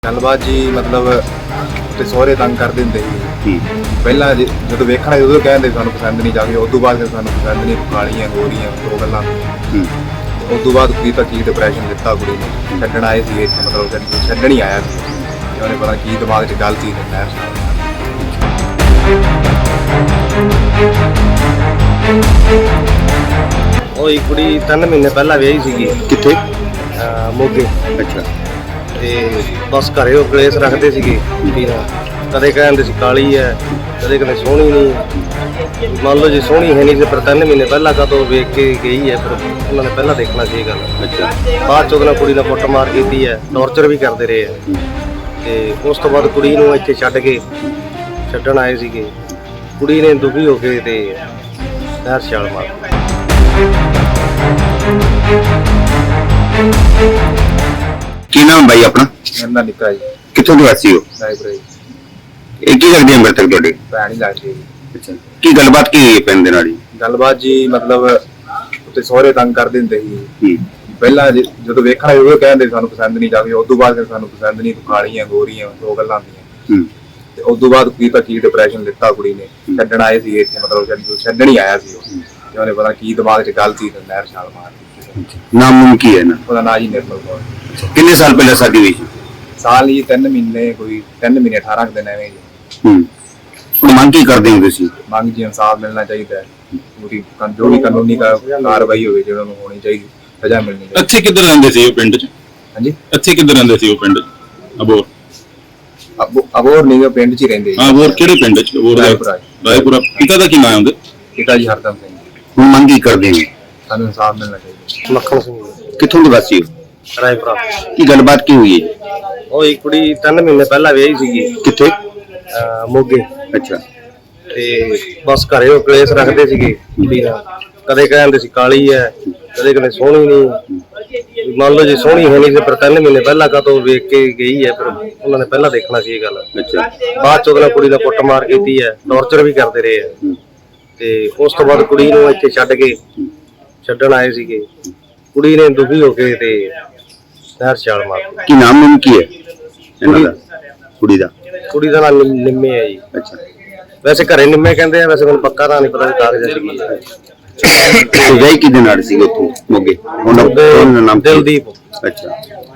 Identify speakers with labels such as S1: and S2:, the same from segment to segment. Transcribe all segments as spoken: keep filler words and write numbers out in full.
S1: गलबात जी मतलब ते सोहरे तंग कर दिंदे ही पहला जो वेखना उदों कहते सानू पसंद नहीं जाके उस बाद सानू पसंद नहीं कालियां गोरियां दो गल्लां उस बाद कुड़ी तक की डिप्रैशन दिता कुड़ी ने छड्डण आए सी इत्थे मतलब छड्डण ही आया सी उन्हें पता की दिमाग च गल सी नहर
S2: ਉਹ ਕੁੜੀ ਤਿੰਨ ਮਹੀਨੇ ਪਹਿਲਾਂ ਵਿਆਹੀ ਸੀਗੀ।
S1: ਕਿੱਥੇ?
S2: ਮੋਗੇ।
S1: ਅੱਛਾ।
S2: ਤੇ ਬਸ ਘਰੇ ਉਹ ਕਲੇਸ਼ ਰੱਖਦੇ ਸੀਗੇ ਕੁੜੀ ਨਾਲ, ਕਦੇ ਕਹਿੰਦੇ ਸੀ ਕਾਲੀ ਹੈ, ਕਦੇ ਕਹਿੰਦੇ ਸੋਹਣੀ ਨਹੀਂ। ਮੰਨ ਲਓ ਜੇ ਸੋਹਣੀ ਹੈ ਨਹੀਂ ਤੇ ਪਰ ਤਿੰਨ ਮਹੀਨੇ ਪਹਿਲਾਂ ਕਦੋਂ ਵੇਖ ਕੇ ਗਈ ਹੈ, ਫਿਰ ਉਹਨਾਂ ਨੇ ਪਹਿਲਾਂ ਦੇਖਣਾ ਸੀ ਇਹ ਗੱਲ।
S1: ਅੱਛਾ।
S2: ਬਾਅਦ ਚ ਉਹਦੇ ਨਾਲ ਕੁੜੀ ਨਾਲ ਕੁੱਟਮਾਰ ਕੀਤੀ ਹੈ, ਟੌਰਚਰ ਵੀ ਕਰਦੇ ਰਹੇ ਹੈ। ਤੇ ਉਸ ਤੋਂ ਬਾਅਦ ਕੁੜੀ ਨੂੰ ਇੱਥੇ ਛੱਡ ਕੇ ਛੱਡਣ ਆਏ ਸੀਗੇ। ਕੁੜੀ ਨੇ ਦੁਖੀ ਹੋ ਕੇ ਤੇ ਨਹਿਰ ਛਾਲ ਮਾਰ ਦਿੱਤੀ।
S3: ਕੀ ਨਾਮ ਬਾਈ ਆਪਣਾ?
S1: मेरा निक्का जी
S3: ਕਿੱਥੋਂ ਦੇ ਵਾਸੀ ਹੋ?
S1: रायपुर जी
S3: ਇਹ ਕੀ ਲੱਗਦੀ ਹੈ ਮ੍ਰਿਤਕ ਤੁਹਾਡੇ?
S1: भैन ही लगती
S3: ਅੱਛਾ। ਕੀ ਗੱਲਬਾਤ ਕੀ ਹੋਈ ਹੈ ਪਿੰਡ ਦੇ ਨਾਲ ਜੀ?
S1: गलबात जी मतलब उत्ते सोहरे तंग कर दिंदे ही
S3: ਹੂੰ
S1: पहला जो वेखना उदों कहते सानू पसंद नहीं जाके उस बाद सानू पसंद नहीं कालियां गोरियां दो गल्लां होंदियां
S3: ਹੂੰ
S1: ते उस बाद कुड़ी तक की डिप्रैशन दिता कुड़ी ने छड्डण आए सी इत्थे मतलब छड्डण ही आया सी ते उन्हें पता की दिमाग च गल सी नहर छाल मार दी।
S3: ਨਾਮ ਨੂਮ ਕੀ ਹੈ ਨਾ?
S1: ਉਹਦਾ ਨਾਂ ਜੀ ਨਿਰਮਲ ਕੌਰ।
S3: ਕਿੰਨੇ ਸਾਲ ਪਹਿਲਾਂ ਸ਼ਾਦੀ ਹੋਈ ਸੀ?
S1: ਸਾਲ ਹੀ ਤਿੰਨ ਮਹੀਨੇ ਕੋਈ ਤਿੰਨ ਮਹੀਨੇ ਅਠਾਰਾਂ ਕੁ ਦਿਨ ਐਵੇਂ ਜੀ।
S3: ਹੂੰ ਹੁਣ ਮੰਗ ਕੀ ਕਰਦੇ ਹੋ ਤੁਸੀਂ?
S1: ਮੰਗ ਜੀ ਇਨਸਾਫ ਮਿਲਣਾ ਚਾਹੀਦਾ ਹੈ, ਪੂਰੀ ਕਨ- ਜੋ ਵੀ ਕਾਨੂੰਨੀ ਕਾ- ਕਾਰਵਾਈ ਹੋਵੇ ਜਿਹੜਾ ਨੂੰ ਹੋਣੀ ਚਾਹੀਦੀ, ਸਜ਼ਾ ਮਿਲਣੀ ਚਾਹੀਦੀ।
S4: ਇੱਥੇ ਕਿੱਧਰ ਰਹਿੰਦੇ ਸੀ ਉਹ ਪਿੰਡ 'ਚ?
S1: ਹਾਂਜੀ
S4: ਇੱਥੇ ਕਿੱਧਰ ਰਹਿੰਦੇ ਸੀ ਉਹ ਪਿੰਡ 'ਚ? ਅਬੋਰ।
S1: ਅਬੋ- ਅਬੋਰ ਨਹੀਂ ਉਹ ਪਿੰਡ 'ਚ ਹੀ ਰਹਿੰਦੇ
S4: ਹਾਂ, ਅਬੋਰ ਕਿਹੜੇ ਪਿੰਡ 'ਚ? ਅਬੋਰ ਦਾ-
S1: ਰਾਏਪੁਰਾ।
S4: ਰਾਏਪੁਰਾ। ਪਿਤਾ ਦਾ ਕੀ ਨਾਮ ਹੈ ਉਹਦੇ?
S1: ਪਿਤਾ ਜੀ ਹਰਦਮ ਸਿੰਘ ਜੀ।
S3: ਹੁਣ ਮੰਗ ਕੀ ਕਰਦੇ ਹੋ?
S1: ਸਾਨੂੰ ਇਨਸਾਫ ਮਿਲਣਾ ਚਾਹੀਦਾ।
S2: ਮੱਖਣ ਸਿੰਘ
S3: ਕਿੱਥੋਂ ਦੇ ਵਾਸੀ ਹੋ?
S2: ਰਾਏਪੁਰਾ।
S3: ਕੀ ਗੱਲਬਾਤ ਕੀ ਹੋਈ ਹੈ ਜੀ?
S2: ਉਹ ਇੱਕ ਕੁੜੀ ਤਿੰਨ ਮਹੀਨੇ ਪਹਿਲਾਂ ਵਿਆਹੀ ਸੀਗੀ।
S3: ਕਿੱਥੇ?
S2: ਅਹ ਮੋਗੇ।
S3: ਅੱਛਾ।
S2: ਤੇ ਬਸ ਘਰੇ ਉਹ ਕਲੇਸ਼ ਰੱਖਦੇ ਸੀਗੇ ਕੁੜੀ ਨਾਲ, ਕਦੇ ਕਹਿੰਦੇ ਸੀ ਕਾਲੀ ਹੈ, ਕਦੇ ਕਹਿੰਦੇ ਸੋਹਣੀ ਨਹੀਂ। ਮੰਨ ਲਓ ਜੇ ਸੋਹਣੀ ਹੈ ਨਹੀਂ ਤੇ ਪਰ ਤਿੰਨ ਮਹੀਨੇ ਪਹਿਲਾਂ ਕਦੋਂ ਵੇਖ ਕੇ ਗਈ ਹੈ, ਫਿਰ ਉਹਨਾਂ ਨੇ ਪਹਿਲਾਂ ਦੇਖਣਾ ਸੀ ਇਹ ਗੱਲ।
S3: ਅੱਛਾ।
S2: ਬਾਅਦ ਚ ਉਹਦੇ ਨਾਲ ਕੁੜੀ ਨਾਲ ਕੁੱਟਮਾਰ ਕੀਤੀ ਹੈ, ਟੌਰਚਰ ਵੀ ਕਰਦੇ ਰਹੇ ਹੈ। ਤੇ ਉਸ ਤੋਂ ਬਾਅਦ ਕੁੜੀ ਨੂੰ ਇੱਥੇ ਛੱਡ ਕੇ ਛੱਡਣ ਆਏ ਸੀਗੇ। ਕੁੜੀ ਨੇ ਦੁਖੀ ਹੋ ਕੇ ਤੇ ਨਹਿਰ ਛਾਲ ਮਾਰ ਦਿੱਤੀ।
S3: ਕੀ ਨਾਮ ਨੂਮ ਕੀ ਹੈ ਇਹਨਾਂ ਦਾ? ਕੁੜੀ ਦਾ?
S2: ਕੁੜੀ ਦਾ ਨਾਮ ਨਿ- ਨਿੰਮੇ ਹੈ ਜੀ।
S3: ਅੱਛਾ।
S2: ਵੈਸੇ ਘਰੇ ਨਿੰਮੇ ਕਹਿੰਦੇ ਆ, ਵੈਸੇ ਮੈਨੂੰ ਪੱਕਾ ਤਾਂ ਨਹੀਂ ਪਤਾ ਵੀ ਕਾਗਜ਼ਾਂ ਚ ਕੀ ਹੈ।
S3: ਤੇ ਵਿਆਹ ਕਿਹਦੇ ਨਾਲ ਸੀ ਉੱਥੋਂ ਮੋਗੇ? ਉਹਨਾਂ ਦਾ ਨਾਮ ਕੀ?
S2: ਦਿਲਦੀਪ।
S3: ਅੱਛਾ।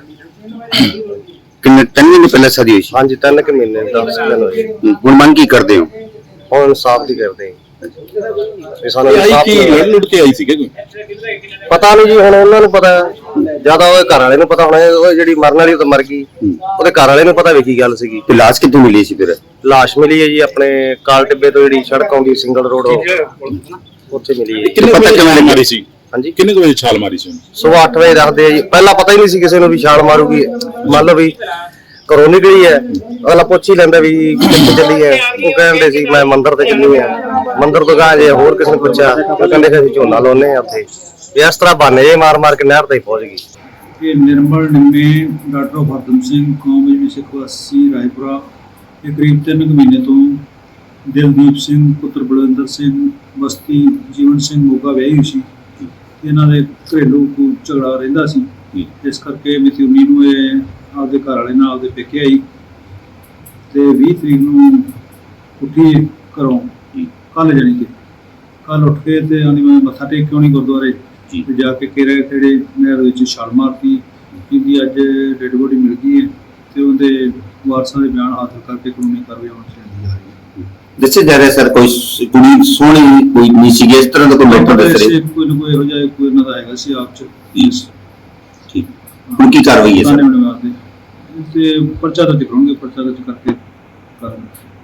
S3: ਕਿੰਨੇ ਤਿੰਨ ਮਹੀਨੇ ਪਹਿਲਾਂ ਸ਼ਾਦੀ ਹੋਈ ਸੀ?
S2: ਹਾਂਜੀ ਤਿੰਨ ਕੁ ਮਹੀਨੇ ਦਸ ਦਿਨ ਹੋਏ।
S3: ਹੂੰ। ਹੁਣ ਮੰਗ ਕੀ ਕਰਦੇ ਹੋ?
S2: ਹੁਣ ਇਨਸਾਫ ਦੀ ਕਰਦੇ ਹਾਂ। ਵੀ ਸਾਨੂੰ
S4: ਆਈ
S2: ਇਨਸਾਫ
S4: ਕੀ
S2: ਮਿਲੇ।
S4: ਲੜ ਲੁੱਟ ਕੇ ਆਈ ਸੀਗੇ ਕੋਈ?
S2: ਪਤਾ ਨਹੀਂ ਜੀ, ਹੁਣ ਉਹਨਾਂ ਨੂੰ ਪਤਾ, ਜਿਆਦਾ ਉਹਦੇ ਘਰ ਵਾਲੇ ਨੂੰ ਪਤਾ ਹੋਣਾ। ਉਹ ਜਿਹੜੀ ਮਰਨ ਵਾਲੀ ਉਹ ਤਾਂ ਮਰ ਗਈ, ਉਹਦੇ ਘਰ ਵਾਲੇ ਨੂੰ ਪਤਾ ਵੀ ਕੀ ਗੱਲ ਸੀਗੀ।
S3: ਤੇ ਲਾਸ਼ ਕਿੱਥੋਂ ਮਿਲੀ ਸੀ ਫਿਰ?
S2: ਲਾਸ਼ ਮਿਲੀ ਹੈ ਜੀ ਆਪਣੇ ਕਾਲ ਟਿੱਬੇ ਤੋਂ, ਜਿਹੜੀ ਸੜਕ ਆਉਂਦੀ ਸਿੰਗਲ ਰੋਡ, ਉੱਥੇ ਮਿਲੀ ਹੈ।
S4: ਕਿੰਨੇ
S3: ਪਤਾ
S4: ਵਜੇ
S3: ਕਿਵੇਂ
S4: ਛਾਲ
S3: ਲੱਗੀ?
S4: ਮਾਰੀ ਸੀ?
S2: ਹਾਂਜੀ
S4: ਕਿੰਨੇ ਕੁ ਵਜੇ ਛਾਲ ਮਾਰੀ ਸੀ ਉਹਨੇ?
S2: ਸਵੇਰ ਅੱਠ ਵਜੇ ਰੱਖਦੇ ਆ ਜੀ। ਪਹਿਲਾਂ ਪਤਾ ਹੀ ਨਹੀਂ ਸੀ ਕਿਸੇ ਨੂੰ ਵੀ ਛਾਲ ਮਾਰੂਗੀ। ਮੰਨ ਲਓ ਵੀ ਘਰੋਂ ਨਿਕਲੀ ਹੈ, ਅਗਲਾ ਪੁੱਛ ਹੀ ਲੈਂਦਾ ਵੀ ਕਿੱਥੇ ਚੱਲੀ ਹੈ। ਉਹ ਕਹਿੰਦੇ ਸੀ ਮੈਂ ਮੰਦਿਰ ਤੇ ਚੱਲੀ ਆ। ਮੰਦਿਰ ਤੋਂ ਗਾਂ ਜੇ ਹੋਰ ਕਿਸੇ ਨੇ ਪੁੱਛਿਆ ਉਹ ਕਹਿੰਦੇ ਕਿ ਅਸੀਂ ਝੋਨਾ ਲਾਉਨੇ ਆ ਉੱਥੇ। ਇਸ ਤਰ੍ਹਾਂ ਬਹਾਨੇ ਜੇ ਮਾਰ ਮਾਰ ਕੇ ਨਹਿਰ ਤੇ ਪਹੁੰਚ ਗਈ।
S5: ਇਹ ਨਿਰਮਲ ਨਿੰਮੇ ਡਾਕਟਰ ਹਰਦਮ ਸਿੰਘ ਕੌਮ ਵਿੱਚ ਸਿੱਖ ਵਾਸੀ ਰਾਏਪੁਰਾ, ਇਹ ਕਰੀਬ ਤਿੰਨ ਕੁ ਮਹੀਨੇ ਤੋਂ ਦਿਲਦੀਪ ਸਿੰਘ ਪੁੱਤਰ ਬਲਵਿੰਦਰ ਸਿੰਘ ਬਸਤੀ ਜੀਵਨ ਸਿੰਘ ਮੋਗਾ ਵਿਆਹੀ ਹੋਈ ਸੀ। ਇਹਨਾਂ ਦੇ ਘਰੇਲੂ ਕੋਈ ਝਗੜਾ ਰਹਿੰਦਾ ਸੀ, ਇਸ ਕਰਕੇ ਮਿਤੀ ਉੱਨੀ ਨੂੰ ਇਹ ਆਪਦੇ ਘਰ ਵਾਲੇ ਨਾਲ ਆਪਦੇ ਪੇਕੇ ਆਈ ਤੇ ਵੀਹ ਤਰੀਕ ਨੂੰ ਉੱਠੀ ਘਰੋਂ, ਕੱਲ ਜਾਣੀ ਕਿ ਕੱਲ ਉੱਠ ਕੇ ਤੇ ਆਂਦੀ ਮੈਂ ਮੱਥਾ ਟੇਕ ਕੇ ਆਉਣੀ ਗੁਰਦੁਆਰੇ ਤੇ ਜਾ ਕੇ ਕਿਹੜੇ ਕਿਹੜੇ ਨਹਿਰ ਵਿੱਚ ਛਾਲ ਮਾਰਤੀ। ਜਿਹਦੀ ਅੱਜ ਡੈਡ ਬੋਡੀ ਮਿਲ ਗਈ ਹੈ ਤੇ ਉਹਦੇ ਵਾਰਸਾਂ ਦੇ ਬਿਆਨ ਹਾਸਲ ਕਰਕੇ ਕਾਨੂੰਨੀ ਕਾਰਵਾਈ ਹੋਣੀ ਚਾਹੀਦੀ ਹੈ।
S3: ਦੱਸਿਆ ਜਾ ਰਿਹਾ ਸਰ ਕੋਈ ਸ- ਕੁੜੀ ਸੋਹਣੀ ਕੋਈ ਨਹੀਂ ਸੀ, ਇਸ ਤਰ੍ਹਾਂ ਦਾ ਕੋਈ ਮੈਟਰ ਦੱਸ ਰਹੇ?
S5: ਕੋਈ ਨਾ ਕੋਈ ਇਹੋ ਜਿਹਾ ਕੋਈ ਇਹਨਾਂ ਦਾ ਹੈਗਾ ਸੀ ਆਪ ਚ।
S3: ਠੀਕ। ਹੁਣ ਕੀ ਕਾਰਵਾਈ ਹੈ ਸਰ?
S5: ਤੇ ਪਰਚਾ ਦਰਜ ਕਰਾਂਗੇ, ਪਰਚਾ ਦਰਜ ਕਰਕੇ ਕਰਾਂਗੇ।